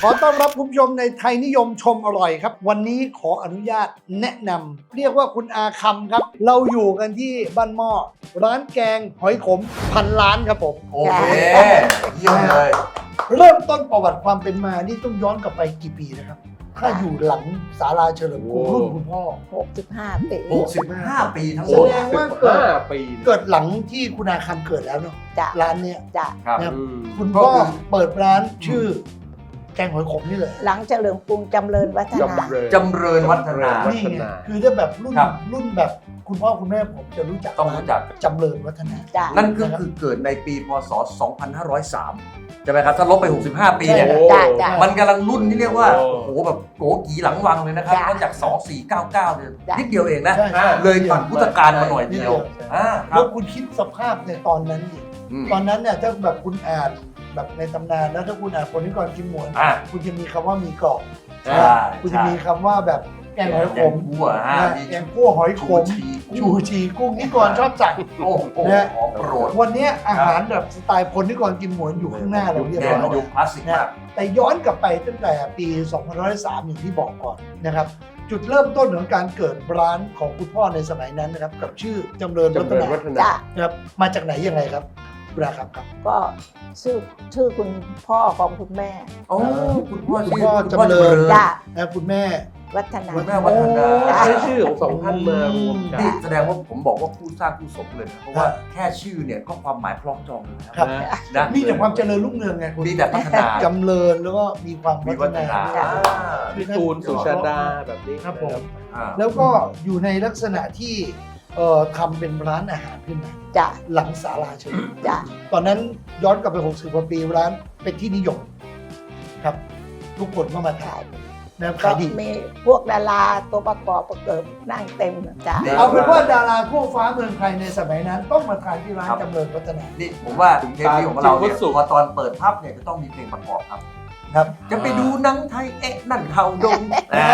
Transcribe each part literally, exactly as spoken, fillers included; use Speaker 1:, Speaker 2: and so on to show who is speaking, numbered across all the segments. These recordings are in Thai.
Speaker 1: อต้อนรับคุณผู้ชมในไทยนิยมชมอร่อยครับวันนี้ขออนุญาตแนะนำเรียกว่าคุณอาคำครับเราอยู่กันที่บ้านหม้อร้านแกงหอยขมพันล้านครับผม
Speaker 2: โอเคเยี่ยมเลย
Speaker 1: เริ่มต้นประวัติความเป็นมานี่ต้องย้อนกลับไปกี่ปีนะครับถ้าอยู่หลังศาลาเฉลิมกรุงรุ่นคุณพ่อ
Speaker 3: หกสิบห้าปี
Speaker 2: หกสิบห้าปีทั้งหม
Speaker 1: แส
Speaker 2: ด
Speaker 1: ดงว่าเกิด
Speaker 4: ปี
Speaker 1: เกิดหลังที่คุณอาคำเกิดแล้วเนาะ
Speaker 3: จ้ะ
Speaker 1: ร้านเนี้ย
Speaker 3: จ้ะ
Speaker 2: ครับ
Speaker 1: นะครับ
Speaker 4: อืม
Speaker 1: คุณพ่อเปิดร้านชื่อแกงหอยขมนี่เลย
Speaker 3: หลังเฉลิมกรุงจำเริญวัฒนา
Speaker 4: จำเริญ
Speaker 2: จำเริญวัฒนา
Speaker 1: นี่ไงคือถ้าแบบรุ่น
Speaker 2: ครับ
Speaker 1: รุ่นแบบคุณพ่อคุณแม่ผมจะรู้จัก
Speaker 2: ต้องรู้จัก
Speaker 1: จำเริญวัฒนา
Speaker 3: จ้ะ
Speaker 2: นั่นก็คือเกิดในปีพศ สองพันห้าร้อยสาม ใช่ไหมครับ ถ้าลบไป หกสิบห้า ปีเนี่ย
Speaker 4: โอ้
Speaker 3: จ้ะจ้ะ
Speaker 2: มันกำลังรุ่นที่เรียกว่า
Speaker 4: โอ้
Speaker 2: โอ้โห แบบโกกีหลังวังเลยนะครับ
Speaker 3: จ้ะ
Speaker 2: เพราะจาก สองสี่เก้าเก้า เนี่ย
Speaker 3: จ้ะ
Speaker 2: นิดเดียวเองนะ
Speaker 1: ใช่ใช่
Speaker 2: เลยผ่านพุทธกาลมาหน่อยเดียว
Speaker 1: ใช่
Speaker 2: อ่าค
Speaker 1: แล้
Speaker 2: รั
Speaker 1: ว
Speaker 2: บ
Speaker 1: คุณคิดสภาพในตอนนั้นดิ
Speaker 2: อืม
Speaker 1: ตอนนั้นเนี่ยถ้าแบบคุณอ่านแบบในตำนานแล้วถ้าคุณอ่านคนที่ก่อนกินหมวน
Speaker 2: อ่า
Speaker 1: คุณจะมีคำว่ามีกรอบ
Speaker 2: ใช่
Speaker 1: คุณจะมีคำว่าแบบแกงหอยขม
Speaker 2: แกงคั่วฮะ
Speaker 1: นะ
Speaker 2: มี
Speaker 1: แกงคั่วหอยขม
Speaker 2: ชูชี
Speaker 1: ชูชีกุ้งนี่ก่อนชอบสั่ง
Speaker 2: โอ้โห
Speaker 1: นะ
Speaker 2: ของโปรด
Speaker 1: วันนี้อาหารแบบสไตล์คนที่ก่อนกินหมวนอยู่ข้างหน้าเราเรียบ
Speaker 2: แก
Speaker 1: ร้
Speaker 2: ง
Speaker 1: อย
Speaker 2: ยุคคลาสสิกมาก
Speaker 1: แต่ย้อนกลับไปตั้งแต่ปี สองพันห้าร้อยสาม อย่างที่บอกก่อนนะครับ จุดเริ่มต้นของการเกิดร้านของคุณพ่อในสมัยนั้นนะครับ กับชื่อจำเริญวั
Speaker 4: จำ
Speaker 1: ฒ
Speaker 4: เริญ
Speaker 1: นา
Speaker 4: วัฒนา
Speaker 3: จ้ะ
Speaker 1: นะครับมาจากไหนยังไงครับคุณอาครับครับ
Speaker 3: ก็ชื่อชื่อคุณพ่อของคุณแม่
Speaker 2: โอ้คุณพ่อ
Speaker 1: คุณ
Speaker 2: ชื่อ
Speaker 1: พ่อ
Speaker 2: คุณพ่อ
Speaker 1: จำเริญ
Speaker 3: จ้ะ
Speaker 1: และคุณแม่
Speaker 3: วัฒนา
Speaker 2: คุณแม่วัฒนา
Speaker 4: ใช้ชื่อของสองท่านมารวมกัน
Speaker 2: นี่แสดงว่าผมบอกว่าผู้สร้างผู้สมเลยนะเพราะว่าแค่ชื่อเนี่ยก็ความหมายคล้องจองเลยนะ
Speaker 1: ครับ
Speaker 4: นะ
Speaker 2: นะ
Speaker 1: มีแต่ความเจริญรุ่งเรืองไงคุณ
Speaker 2: มีแต่พัฒนา
Speaker 1: จำเริญแล้วก็มีความ
Speaker 2: มี
Speaker 1: พั
Speaker 2: วั
Speaker 1: ฒ
Speaker 2: ฒ
Speaker 1: นา
Speaker 2: นา
Speaker 3: จ้ะ
Speaker 4: พี่ตูนสุชาดาแบบนี้
Speaker 1: ครับผม
Speaker 2: อ่า
Speaker 1: แล้วก็อยู่ในลักษณะที่เอ่อทำเป็นร้านอาหารขึ้นมา
Speaker 3: จ้ะ
Speaker 1: หลังศาลาเฉลิม
Speaker 3: จ้ะ
Speaker 1: ตอนนั้นย้อนกลับไป หกสิบ กว่าปีร้านเป็นที่นิยมครับ ทุกคนก็มาทานนะครับ
Speaker 3: ก็
Speaker 1: ขายดี
Speaker 3: มีพวกดาราตัวประกอบประเกิดนั่งเต็มจ้ะ
Speaker 1: เอาเป็นว่าดาราทั่วฟ้าเมืองไทยในสมัยนั้น ต้องมาทานที่ร้านจำเริญวัฒนา
Speaker 2: นี่ผมว่าเทปนี้ของเราเนี่ยพอตอนเปิดภาพเนี่ยจะต้องมีเพลงประกอบครับ
Speaker 1: ครับ
Speaker 2: จะไปดูหนังไทยเอ๊ะนั่นเขาดง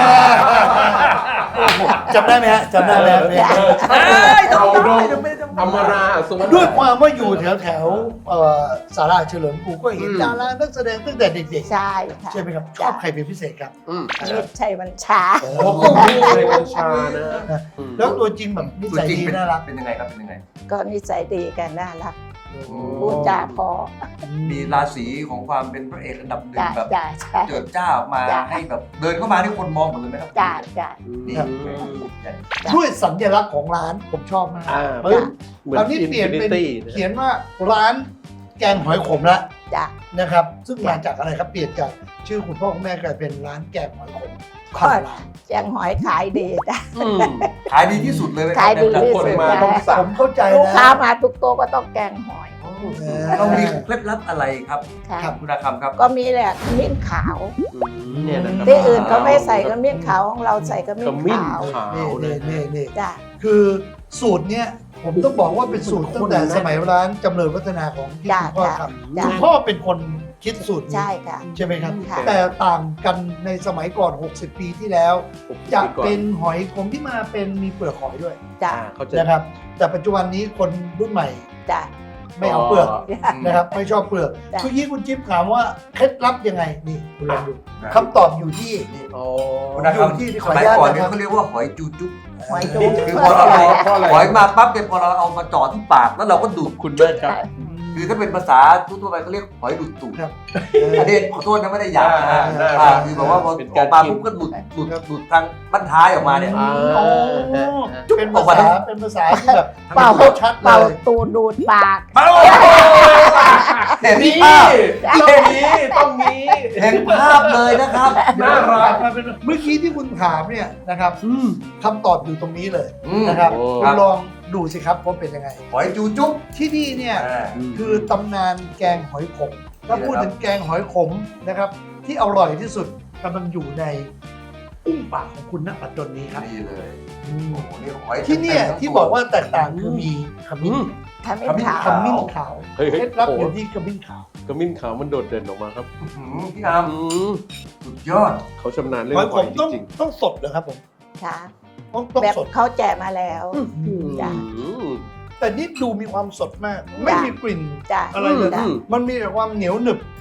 Speaker 1: จำได้ไหมฮะจำได้ไหมฮะเนี่ย
Speaker 2: เอ้ยต้องได้จะไม่ต้อง
Speaker 4: อมราสวัสดิ์
Speaker 1: ด้วยความว่าอยู่แถวแถวๆเอ่อศาลาเฉลิมกรุงก็เห็น
Speaker 4: อืม
Speaker 1: ดารานักแสดงตั้งแต่เด็ก
Speaker 3: ใช่ค่ะ
Speaker 1: ๆใช่ไหมครับชอบใครเป็นพิเศษครับ
Speaker 4: อืม
Speaker 3: มิตรชัยบัญชา
Speaker 1: โอ้
Speaker 4: โอ้โหในบัญชานะอืม
Speaker 1: แล้วตัวจริงแบบนิ
Speaker 2: ตัว
Speaker 1: สัย
Speaker 2: จริง
Speaker 1: ดี
Speaker 2: เป็น
Speaker 1: น่ารัก
Speaker 2: เป็นยังไงครับเป็นยังไง
Speaker 3: ก็นิสัยดีกันน่ารัก
Speaker 2: อืม
Speaker 3: พูดจาพอ
Speaker 2: มีราศีของความเป็นพระเอกอันดับหนึ่ง
Speaker 3: จ้ะ
Speaker 2: แบบ
Speaker 3: จ้ะใช่
Speaker 2: เจิดจ้าออกมา
Speaker 3: จ้ะ
Speaker 2: ให้แบบเดินเข้ามาที่คนมองหมดเลยไหมครับ
Speaker 3: จ้ะจ้ะ
Speaker 2: นี่
Speaker 4: ครับ
Speaker 1: ด้วยสัญลักษณ์ของร้านผมชอบมาก
Speaker 4: อ่า
Speaker 1: ปึ๊บ
Speaker 4: เหมือน
Speaker 1: คราวนี้เปลี่ยนเป็น
Speaker 4: Infinity นะ
Speaker 1: เขียนว่าร้านแกงหอยขมละ
Speaker 3: จ้ะ
Speaker 1: นะครับ ซึ่งมาจากอะไรครับเปลี่ยนจากชื่อคุณพ่อคุณแม่กลายเป็นร้านแกงหอยขม
Speaker 3: ก็
Speaker 1: พันล้าน
Speaker 3: แจงหอยขายดีจ้ะ
Speaker 4: อืม
Speaker 2: ขายดีที่สุดเลยไหมครับ
Speaker 3: ขายดีที่
Speaker 4: คน
Speaker 3: สุด
Speaker 4: มา
Speaker 3: จ้ะ
Speaker 4: ต้องสั่
Speaker 1: ผ
Speaker 4: ง
Speaker 1: มเข้าใจ
Speaker 3: ลูก
Speaker 1: นะ
Speaker 3: ค้ามาทุกโต๊ะก็ต้องแกงหอย
Speaker 1: เออ
Speaker 2: เรามีเคล็ดลับอะไรครับ
Speaker 3: ค่ะ
Speaker 1: ครับ
Speaker 2: คุณอาคำครับ
Speaker 3: ก็มีแหละขมิ้นขาว
Speaker 4: เนี่ยนะครับ
Speaker 3: ที่อื่นเขาไม่ใส่ขมิ้นขาวของเราใส่ขมิ้
Speaker 4: ข
Speaker 3: น
Speaker 4: มิ้น
Speaker 3: ขาว
Speaker 4: ขาว
Speaker 1: นี่
Speaker 4: เล
Speaker 1: นี่
Speaker 4: ย
Speaker 1: นี่นี่
Speaker 3: จ้ะ
Speaker 1: คือสูตรเนี้ยผมต้องบอกว่าเป็นสูตรตั้งแต่
Speaker 4: คนนะ
Speaker 1: สมัยร้านจำเริญวัฒนาของที่
Speaker 3: จ้ะ
Speaker 1: คุณพ่อ
Speaker 3: จ้ะ
Speaker 1: ทำ
Speaker 3: จ้ะ
Speaker 1: คุณพ่อเป็นคนคิดสูตรนี้
Speaker 3: ใช่ค่ะ
Speaker 1: ใช่ไหมครับ
Speaker 3: ค่ะ
Speaker 1: แต่ต่างกันในสมัยก่อน หกสิบ ปีที่แล้ว จะ
Speaker 4: ปีก่อ
Speaker 1: เป็นหอยขมที่มาเป็นมีเปลือกหอยด้วย
Speaker 3: จ้ะ
Speaker 4: อ่าเขาจะ
Speaker 1: นะครับ แต่ปัจจุบันนี้คนรุ่นใหม่
Speaker 3: จ้ะ
Speaker 1: ไม่เอาเปลือก
Speaker 3: จ้ะ
Speaker 1: นะครับ ไม่ชอบเปลือก
Speaker 3: จ้ะ
Speaker 1: เมื่อกี้คุณจิ๊บถามว่าเคล็ดลับยังไงนี่คุณลองดู
Speaker 2: ครับ
Speaker 1: คำตอบอยู่ที่
Speaker 4: อ๋อ
Speaker 2: คุณอาค
Speaker 1: อยู่ที่
Speaker 2: ำ
Speaker 1: ข
Speaker 2: ส
Speaker 1: ออนุ
Speaker 2: มัย
Speaker 1: ญาต
Speaker 2: ก่อน
Speaker 1: นะ
Speaker 2: เนี่ย
Speaker 1: ครับ
Speaker 2: เขาเรียกว่าหอยจูจุ๊บ
Speaker 3: หอยจุ๊
Speaker 4: นี่
Speaker 3: บ
Speaker 4: คือ
Speaker 2: พอเราเอา
Speaker 4: เพราะอะไร
Speaker 2: หอยมาปั๊บเนี่ยพอเราเอามาจ่อที่ปากแล้วเราก็ดูด
Speaker 4: คุณแม่ครับ
Speaker 2: คือถ้าเป็นภาษาทั่วๆไปเขาเรียกหอยดูดตูด
Speaker 1: ครับ
Speaker 2: อันนี้ขอโทษนะไม่ได้หยาบนะ
Speaker 4: อ่าได้
Speaker 2: อ่าคือแบบว่าพอ
Speaker 4: เป็น
Speaker 2: อ
Speaker 4: การ
Speaker 2: อกมา
Speaker 4: กิน
Speaker 2: ปุ๊บก็ดูดดูดดูดทางบั้นท้ายออกมาเนี่ย
Speaker 4: อ่า
Speaker 1: โอ้เป็นภาษาเป็นภาษาที่แบบ
Speaker 3: เป่า
Speaker 1: ชัดเล
Speaker 3: เป่าย ตูดดูดปาก
Speaker 2: เป้าเห็น
Speaker 4: นี่
Speaker 2: ภาพ
Speaker 4: ต้องมีต้องมี
Speaker 2: เห็นภาพเลยนะครับ
Speaker 4: น่ารัก
Speaker 1: มาเป็นเมื่อกี้ที่คุณถามเนี่ยนะครับ
Speaker 4: อืม
Speaker 1: คำตอบอยู่ตรงนี้เลย
Speaker 2: อืม
Speaker 1: นะครับ
Speaker 4: โอ้
Speaker 1: คุณลองดูสิครับว่าเป็นยังไง
Speaker 2: หอยจูจุ๊บ
Speaker 1: ที่นี่เนี่ย
Speaker 2: อ่า
Speaker 1: คือตำนานแกงหอยขม ถ้าพูดถึงแกงหอยขมนะครับ ที่อร่อยที่สุดกำลังอยู่ในอุ้งปากของคุณณปัจจุบันนี้ครับ
Speaker 2: นี่เลย
Speaker 1: อืม
Speaker 2: โอ้โหนี่หอย
Speaker 1: ที่เนี่ย
Speaker 2: ต็มๆทั้ง
Speaker 1: ที่
Speaker 2: ตัว
Speaker 1: บอกว่าแตกต่างคือมีขมิ้น
Speaker 3: ขมิ้นขาว
Speaker 1: ขมิ้นขาว
Speaker 4: เฮ้ย
Speaker 1: เค
Speaker 4: เฮ้ย
Speaker 1: ล็ดลับ
Speaker 4: โอ้
Speaker 1: อยู่ที่ขมิ้นขาว
Speaker 4: กระมิ้นขาวมันโดดเด่นออกมาครับ
Speaker 2: อื้อหือพี่อาร์ม
Speaker 4: อืม
Speaker 2: สุดยอด
Speaker 4: เขาชำนาญเรื่อ
Speaker 1: หอย
Speaker 4: ง
Speaker 1: ข
Speaker 4: หอย
Speaker 1: ม
Speaker 4: จ
Speaker 1: ต้อง
Speaker 4: ริง
Speaker 1: ต้องสดเหรอครับผม
Speaker 3: ค่ะ
Speaker 1: ต้องต้อง
Speaker 3: แบบ
Speaker 1: สด
Speaker 3: เขาแจกมาแล้ว
Speaker 4: ๆ
Speaker 3: จ้ะ
Speaker 4: อืม
Speaker 1: แต่นี่ดูมีความสดมาก ไม่มีกลิ่น
Speaker 3: จ้ะ
Speaker 1: อะไรเลย
Speaker 3: จ้ะ
Speaker 4: อืม
Speaker 1: มันมีแต่ความเหนียวหนึบ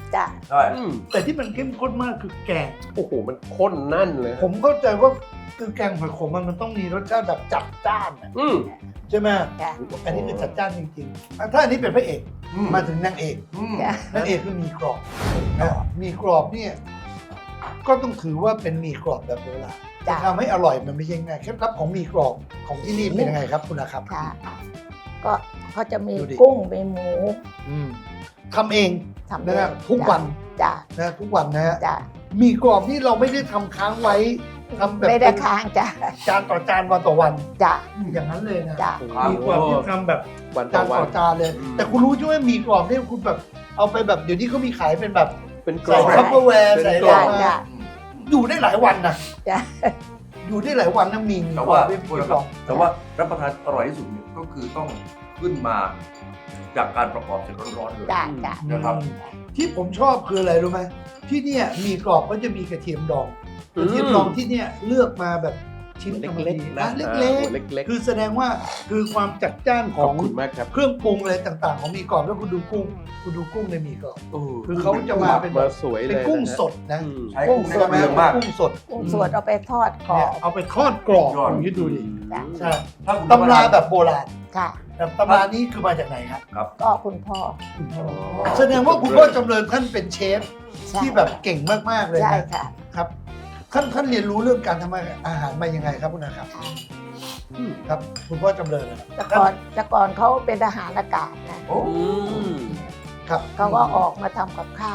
Speaker 3: จ้ะ
Speaker 2: ใช่
Speaker 4: อืม
Speaker 1: แต่ที่มันเข้มข้นมากคือแกง
Speaker 4: โอ้โหมันข้นนั่นเลย
Speaker 1: ผมเข้าใจว่าคือแกงหอยขมมันมันต้องมีรสชาติแบบจัดจ้านอะ
Speaker 4: อืม
Speaker 1: ใช่ไหม
Speaker 3: จ้ะ
Speaker 1: อันนี้คือจัดจ้านจริงๆถ้าอันนี้เป็นพระเอก
Speaker 2: อืม
Speaker 1: มาถึงนางเอก
Speaker 2: อืม
Speaker 3: จ้ะ
Speaker 1: นางเอกคือหมีกรอบนะหมีกรอบเนี่ยก็ต้องถือว่าเป็นหมีกรอบแบบโบราณจะ
Speaker 3: จ้ะ
Speaker 1: ทำให้อร่อยมันไม่ใช่ง่ายเคล็ดลับของหมีกรอบของที่นี่เป็นยังไงครับคุณอาครับ
Speaker 3: ค่ะ ก็เขาจะมี
Speaker 1: ดูดิ
Speaker 3: กุ้งมีหมู
Speaker 1: อืมทำเอง
Speaker 3: ทำเอ
Speaker 1: นะครับ
Speaker 3: ง
Speaker 1: ทุกวัน
Speaker 3: จ้ะ
Speaker 1: นะทุกวันนะฮะ
Speaker 3: จ้ะ
Speaker 1: หมีกรอบนี่เราไม่ได้ทำค้างไว้ทำแบบ
Speaker 3: ไม่ได้
Speaker 1: เป็น
Speaker 3: ค้างจ้ะ
Speaker 1: จานต่อจานวันต่อวัน
Speaker 3: จ้ะ
Speaker 1: อย่างนั้นเลยนะ
Speaker 3: จ้ะ
Speaker 2: ครับ
Speaker 1: หมีกรอบที่ทำแบบ
Speaker 4: วันต่
Speaker 1: จา
Speaker 4: อน วั
Speaker 1: ต่
Speaker 4: น
Speaker 1: อจานเลย
Speaker 4: อืม
Speaker 1: แต่คุณรู้ใช่ไหมหมีกรอบเนี่ยคุณแบบเอาไปแบบเดี๋ยวนี้เขามีขายเป็นแบบ
Speaker 4: เป็นกร
Speaker 1: ใส่
Speaker 4: อบ
Speaker 1: คัพเปอร์แวร์
Speaker 4: เป็น
Speaker 1: ใส่
Speaker 4: ก
Speaker 1: อะไร
Speaker 4: ล่อง
Speaker 1: มา
Speaker 3: จ้ะ
Speaker 1: อยู่ได้หลายวันนะ
Speaker 3: จ้ะ
Speaker 1: อยู่ได้หลายวันนะมีหมี
Speaker 2: แต่
Speaker 1: กรอ
Speaker 2: ว่า
Speaker 1: บด้วยห
Speaker 2: คุ
Speaker 1: มี
Speaker 2: ณ
Speaker 1: ก
Speaker 2: ค
Speaker 1: ร
Speaker 2: รั
Speaker 1: อ
Speaker 2: บบ แต่ว่ารับประทานอร่อยที่สุดเนี่ยก็คือต้องขึ้นมาจากการประกอบเสร็จร้อนๆเลย
Speaker 3: จ้ะจ้ะ
Speaker 2: นะครับ
Speaker 1: ที่ผมชอบคืออะไรรู้ไหมที่เนี่ยหมีกรอบก็จะมีกระเทียมดองกระเทียมดองที่เนี่ยเลือกมาแบบชิ้นกำลัง
Speaker 4: เล็ก
Speaker 1: ดี
Speaker 4: ๆ
Speaker 1: นะ
Speaker 4: นะ
Speaker 1: เล็ก
Speaker 4: อ่าเล็ก
Speaker 1: ๆ คือแสดงว่าคือความจัดจ้านข
Speaker 4: ข
Speaker 1: อ
Speaker 4: อง บคุณมากครับ
Speaker 1: เครื่องปรุงอะไรต่างๆ ของหมีกรอบแล้วคุณดูกุ้งคุณดูกุ้งในหมีกรอบ
Speaker 4: โอ้
Speaker 1: คือเขาจะมาเป็น
Speaker 4: มาสวยเลย
Speaker 1: เป็นกุ้ง
Speaker 4: ะฮะ
Speaker 1: สดนะ
Speaker 4: อืม
Speaker 2: ใช้
Speaker 1: กุ้
Speaker 2: กุ้
Speaker 1: ง
Speaker 2: ง
Speaker 1: ส
Speaker 2: ได้
Speaker 1: ด
Speaker 2: เปลืองมาก
Speaker 1: กุ้งสด
Speaker 3: กุ้งสดเอาไปทอดกรอ
Speaker 1: เนี่ย
Speaker 3: บ
Speaker 1: เอาไปทอดกรอบ
Speaker 2: ยอด
Speaker 1: คุณคิดดูดิ
Speaker 3: จ้ะ
Speaker 1: ใช่
Speaker 2: ถ้าคุณ
Speaker 1: ตำราแบบโบราณ
Speaker 3: ค่ะ
Speaker 1: แต่ตำรานี้คือมาจากไหนครับ
Speaker 2: ครับ
Speaker 3: ก็คุณพ่อ
Speaker 1: แสดงว่าคุณพ่อจำเริญท่านเป็นเชฟ
Speaker 3: ใช่
Speaker 1: ที่แบบเก่งมากๆเลย
Speaker 3: ใช่
Speaker 1: นะ
Speaker 3: ค่ะ
Speaker 1: ครับท่านท่านเรียนรู้เรื่องการทำอาหารมายังไงครับคุณอาครับครับ คุณพ่อจำเริญนะครับ
Speaker 3: แต่ก่อนแต่ก่อนเขาเป็นทหารอากาศนะ
Speaker 2: โอ้
Speaker 4: อืม
Speaker 1: ครับ
Speaker 3: เขาก็ออกมาทำกับข้าว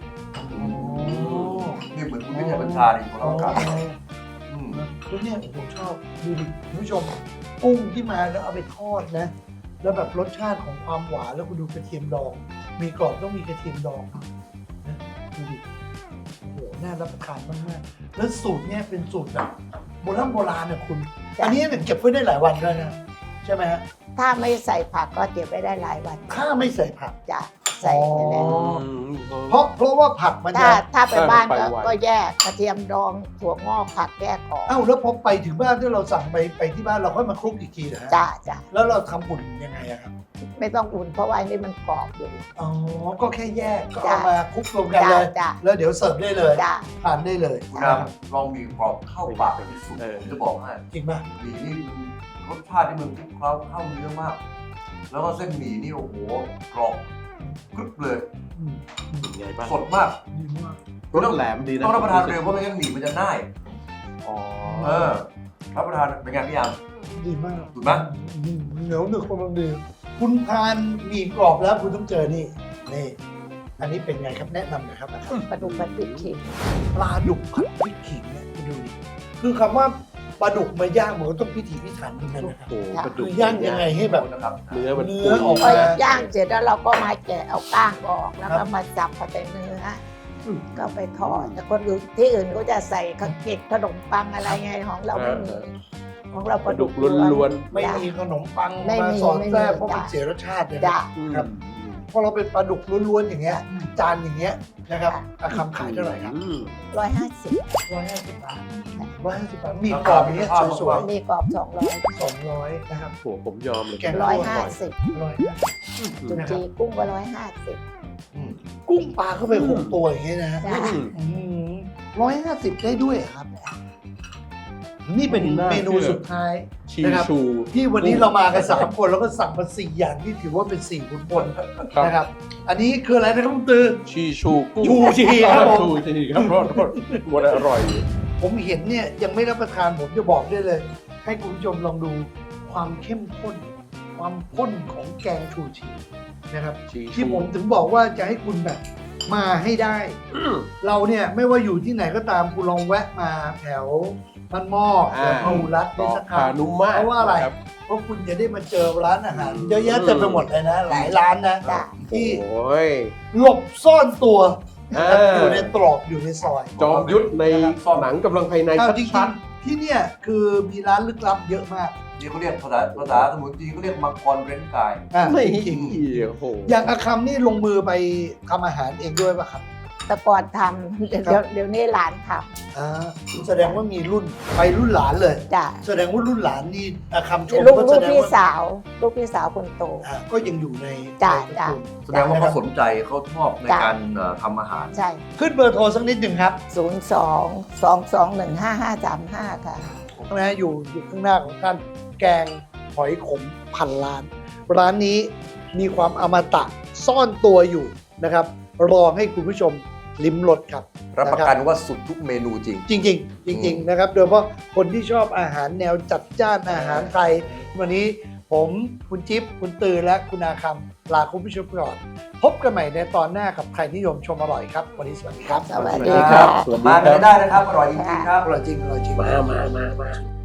Speaker 2: นี่เหมือนคุณวิทยาบัญชาเลยของ
Speaker 1: อ๋อ
Speaker 2: เราครับอืม
Speaker 1: แล้วเนี่ยผมชอบดูดิคุณผู้ชมกุ้งที่มาแล้วเอาไปทอดนะ แล้วแบบรสชาติของความหวานแล้วคุณดูกระเทียมดอง มีกรอบต้องมีกระเทียมดองนะดูดิโอ้โหน่ารับประทานมากๆแล้วสูตรเนี่ยเป็นสูตรแบบโบราณโบราณนะคุณ
Speaker 3: จ้ะ
Speaker 1: อันนี้เนี่ยเก็บไว้ได้หลายวันด้วยนะใช่ไหมฮะ
Speaker 3: ถ้าไม่ใส่ผักก็เก็บไว้ได้หลายวัน
Speaker 1: ถ้าไม่ใส่ผัก
Speaker 3: จะใส่ไปแล้ว
Speaker 1: อ๋อ เพราะเพราะว่าผักมัน
Speaker 3: ถ้า
Speaker 1: จะ
Speaker 3: ถ้าไปบ้าน
Speaker 4: ไป
Speaker 3: ก็
Speaker 4: ไว
Speaker 3: ก็แยกกระเทียมดองถั่วงอกผักแยกออก
Speaker 1: เอ้าแล้วพอไปถึงบ้านที่เราสั่งไปไปที่บ้านเราค่อยมาคลุกอีกทีนะฮะ
Speaker 3: จ้าจ้า
Speaker 1: แล้วเราทำอุ่นยังไงอะครับ
Speaker 3: ไม่ต้องอุ่นเพราะว่าอันนี้มันกรอบอยู่
Speaker 1: อ๋อ ก็แค่แยกก็
Speaker 3: จ้ะ
Speaker 1: เอามาคลุกรวมกัน
Speaker 3: จ้า
Speaker 1: เลย
Speaker 3: จ้า
Speaker 1: แล้วเดี๋ยวเสิร์ฟได้เลย
Speaker 3: จ้า
Speaker 1: ทานได้เลย
Speaker 2: คุณน้ำลองมีกรอบเข้าปากไปที่สุด
Speaker 4: เออ
Speaker 2: ผมจะบอกให้
Speaker 1: จริงป่ะ
Speaker 2: หมี่นี่มันรสชาติที่มันคลุกเคล้าเข้าเนื้อมาก แล้วก็เส้นหมี่นี่โอ้โหกรอบกรึบเลย
Speaker 1: อืมอืม
Speaker 4: เป็นไงบ้าง
Speaker 2: สดมาก
Speaker 1: ดีมาก
Speaker 4: รสแหลมดีนะ
Speaker 2: ต้องรับประทานเร็วเพราะไม่งั้นหมี่มันจะน่าย
Speaker 4: อ๋อ
Speaker 2: เออรับประทานเป็นไงพี่ยาม
Speaker 1: ดีมาก
Speaker 2: ถูกไหม
Speaker 1: อืมเหนียวหนึบกำลังดีคุณทานหมี่กรอบแล้วคุณต้องเจอนี่นี่ อันนี้เป็นไงครับแนะนำหน่อยครับนะครับ
Speaker 3: ปลาดุกผัดพริกขิง
Speaker 1: ปลาดุกผัดพริกขิงเนี่ยคุณดูดิคือคำว่าปลาดุกมาย่างมันก็ต้องพิถีพิถันเหมือนกัน
Speaker 4: โอ้
Speaker 1: นะครับ
Speaker 4: โหกระดู
Speaker 1: คื
Speaker 4: ก
Speaker 1: อย่างยังไงให้แบบ
Speaker 2: นะครับ
Speaker 4: เนื้อมัน
Speaker 1: เนื้อออก
Speaker 3: พ
Speaker 1: มา
Speaker 3: อย่างเสร็จแล้วเราก็มาแกะเอาก้างออกแล้ว
Speaker 1: ครั
Speaker 3: ก็
Speaker 1: บ
Speaker 3: มาจับเอาแต่เนื้อ
Speaker 1: อืม
Speaker 3: ก็ไปทอดแต่คนอื่นที่อื่นเขาจะใส่ข้าวเกล็ดขนมปังอะไรไงของเราไม่มีของเรา
Speaker 4: ก
Speaker 3: ปลา
Speaker 4: ระ
Speaker 3: ดุ
Speaker 4: ดู
Speaker 3: ก
Speaker 4: กล้วน
Speaker 1: ไม่มีขนมปัง
Speaker 3: ไม่
Speaker 1: มา
Speaker 3: มี
Speaker 1: สอดแทรก
Speaker 3: ไม่มี
Speaker 1: เพราะมัน
Speaker 3: จ้ะ
Speaker 1: เสียรสชาติเลย
Speaker 3: จ้ะ
Speaker 4: ๆอืม
Speaker 1: ครับพอเราเป็นปลาดุกล้วนๆอย่างเงี้ยจานอย่างเงี้ยนะครับอาคำขายเท่าไหร่ครับ
Speaker 4: อืม
Speaker 3: ร้อยห้าสิบ
Speaker 1: ร้อยห้าสิบบาทร้อยห้าสิบบาทมีกรอบอย่างเงี้ยสวย
Speaker 3: มีกรอบสองร้อย
Speaker 1: ๆสองร้อยนะครับ
Speaker 4: โหผมยอมเลย
Speaker 1: แกง
Speaker 3: ร้อยห้าสิบ
Speaker 1: ร้อย
Speaker 3: จุนจีกุ้งก็ร้อยห้าสิบ
Speaker 1: กุ้งปลาเข้าไปหกตัวอย่างเงี้ยนะฮะ
Speaker 3: จ้ะ
Speaker 1: ร้อยห้าสิบได้ด้วยเหรอครับ นี่เป็นเมนูสุดท้าย
Speaker 4: ชี
Speaker 1: นะครับ
Speaker 4: ชู
Speaker 1: ที่วันนี้เรามากันสามคนแล้วก็สั่งมาสี่อย่างที่ถือว่าเป็นสี่ขุนพล
Speaker 4: ครับ
Speaker 1: นะครับ อันนี้คืออะไรนะครับคุณตือ
Speaker 4: ชีชูกุ้ง
Speaker 1: ชูชีครับผม
Speaker 4: ชูชีครับโทษโทษมันอร่อย
Speaker 1: ผมเห็นเนี่ยยังไม่รับประทานผมจะบอกได้เลย ให้คุณผู้ชมลองดูความเข้มข้น ความข้นของแกงชูชีนะครับ
Speaker 4: ชีชู
Speaker 1: ที่ผมถึงบอกว่าจะให้คุณแบบมาให้ได้
Speaker 4: อืม
Speaker 1: เราเนี่ยไม่ว่าอยู่ที่ไหนก็ตามคุณลองแวะมาแถวบ้านหม้อแถวพหุรัตน์
Speaker 4: ต่
Speaker 1: นี่
Speaker 4: อ
Speaker 1: สักค
Speaker 4: พา
Speaker 1: รั้ง
Speaker 4: นุมาต
Speaker 1: เพราะว่าอะไร
Speaker 4: คบ
Speaker 1: เพราะคุณจะได้มาเจอร้านอาหาร
Speaker 4: อืม
Speaker 1: เยอะแยะเต็มไปหมดเลยนะ หลายร้านนะ
Speaker 3: จ้ะ
Speaker 1: ที่
Speaker 4: โอ้ย
Speaker 1: หลบซ่อนตัว
Speaker 4: อ่า
Speaker 1: อยู่ในตรอกอยู่ในซอย
Speaker 4: จอมยุทธในหนังกำลังภายใน
Speaker 1: เอาจริ
Speaker 4: ชั
Speaker 1: ง
Speaker 4: ด
Speaker 1: ๆที่เนี่ยคือมีร้านลึกลับเยอะมาก
Speaker 2: นี่เขาเรียกภาษาภาษาสมุนจีนเขาเรียกมังกรเร้นกาย
Speaker 1: อ่ะ
Speaker 4: ๆไม่
Speaker 1: จริง
Speaker 4: โอ้โห
Speaker 1: ๆอย่างอาคำนี่ลงมือไปทำอาหารเองด้วยป่ะครับ
Speaker 3: แต่ก่อนทำเดี๋ยวเดี๋ยวนี้หลานท
Speaker 1: อ่าแสดงว่ามีรุ่นไปรุ่นหลานเลย
Speaker 3: ำจ้ะ
Speaker 1: แสดงว่ารุ่นหลานนี่อ่ะคำชม
Speaker 3: ลูก
Speaker 1: ก็
Speaker 3: ลู
Speaker 1: แส
Speaker 3: ก
Speaker 1: ดง
Speaker 3: พี่
Speaker 1: ว่า
Speaker 3: สาว ลูกพี่สาวคนโต
Speaker 1: อ่าก็ยังอยู่ใน
Speaker 3: จ้ะ
Speaker 1: ใน
Speaker 3: จ้ะ
Speaker 1: ตระกูล
Speaker 2: แสดงว่าเขาสนใจเขาชอบใน
Speaker 3: จ้ะ
Speaker 2: การเอ่อทำอาหาร
Speaker 3: ใช่
Speaker 1: ขึ้นเบอร์โทรสักนิดหนึ่งครับ
Speaker 3: ศูนย์สองสองสองหนึ่งห้าห้าสามห้าค่ะ
Speaker 1: นะอยู่อยู่ข้างหน้าของท่านแกงหอยขมพันล้าน ร้านนี้มีความอมตะซ่อนตัวอยู่นะครับ รอให้คุณผู้ชมลิ้มรสครับ
Speaker 2: รับประกันว่าสุดทุกเมนูจริง
Speaker 1: จริงๆ จริง ๆ นะครับ โดยเฉพาะคนที่ชอบอาหารแนวจัดจ้านอาหารไทย วันนี้ผมคุณจิ๊บคุณตือและคุณอาคำลาคุณผู้ชมก่อน พบกันใหม่ในตอนหน้ากับใครนิยมชมอร่อยครับ วันนี้สวัสดีครับ
Speaker 3: สวัส
Speaker 2: สวัส
Speaker 3: ดี
Speaker 2: ดีค
Speaker 3: ค่ะ
Speaker 2: รับ มากันได้นะครับ อร่อยจริงๆครับ
Speaker 1: อร่อยจริงอร่อยจริง
Speaker 4: มามามามา